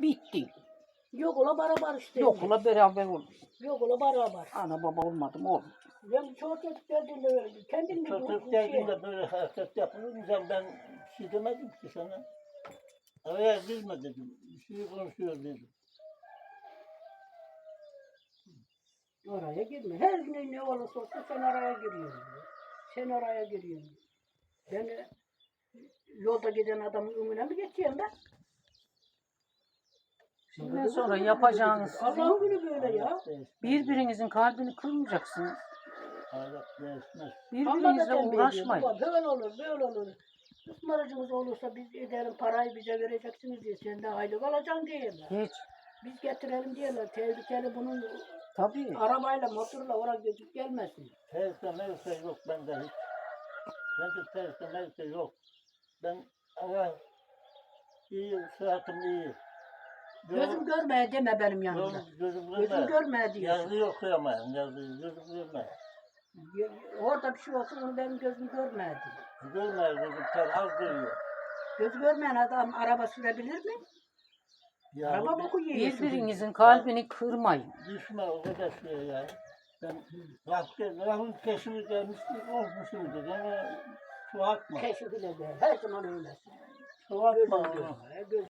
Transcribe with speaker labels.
Speaker 1: bitti.
Speaker 2: Yok ola beraber işte.
Speaker 1: Yok ola beraber olur.
Speaker 2: Yok ola beraber.
Speaker 1: Ana baba olmadı mı olur.
Speaker 2: Ben çocuk geldiğinde öyle. Kendin mi
Speaker 3: Çocuk geldiğinde böyle hareket yapınca ben bir şey demedim ki sana. Araya girme dedim. Bir şey konuşuyor dedim.
Speaker 2: Oraya girme. Her gün ne olursa olsun sen araya giriyorsun. Sen araya giriyorsun. Ben yolda giden adamın önüne mi geçeyim ben?
Speaker 1: Şimdiden sonra yapacağınız
Speaker 2: Allah'ın günü böyle ya.
Speaker 1: birbirinizin kalbini kırmayacaksınız.
Speaker 3: Ahlak değişmez.
Speaker 1: Birbirinizle uğraşmayın.
Speaker 2: Böyle olur, böyle olur. Ismaracımız olursa biz edelim parayı bize vereceksiniz diye sen de aylık alacaksın diyorlar.
Speaker 1: Hiç.
Speaker 2: Biz getirelim diyorlar. Tehlikeli bunun
Speaker 1: Tabii.
Speaker 2: arabayla motorla oraya gidip gelmesin.
Speaker 3: Terse merse yok bende hiç. Bende terse merse yok. Ben ama iyi, sıhhatim iyi.
Speaker 2: Gözüm görmeye deme benim yanımda.
Speaker 3: Gözüm
Speaker 2: Gözüm görmeye diyorsun.
Speaker 3: Yazıyı okuyamayın, yazıyı gözüm görmeye.
Speaker 2: Orada bir şey olsun onu benim gözüm görmeye diyor.
Speaker 3: Görmeye gözüm az görüyor.
Speaker 2: Göz görmeyen adam araba sürebilir mi?
Speaker 3: Ya
Speaker 2: Araba boku yiyor.
Speaker 1: Birbirinizin kalbini kırmayın.
Speaker 3: düşme o kadar şey ya. Ben rahın peşimi gelmişti, olmuşum dedi ama şu atma.
Speaker 2: Keşif ile de her zaman öyle.
Speaker 3: Şu atma
Speaker 2: Gözüm
Speaker 3: onu.
Speaker 2: görmeye,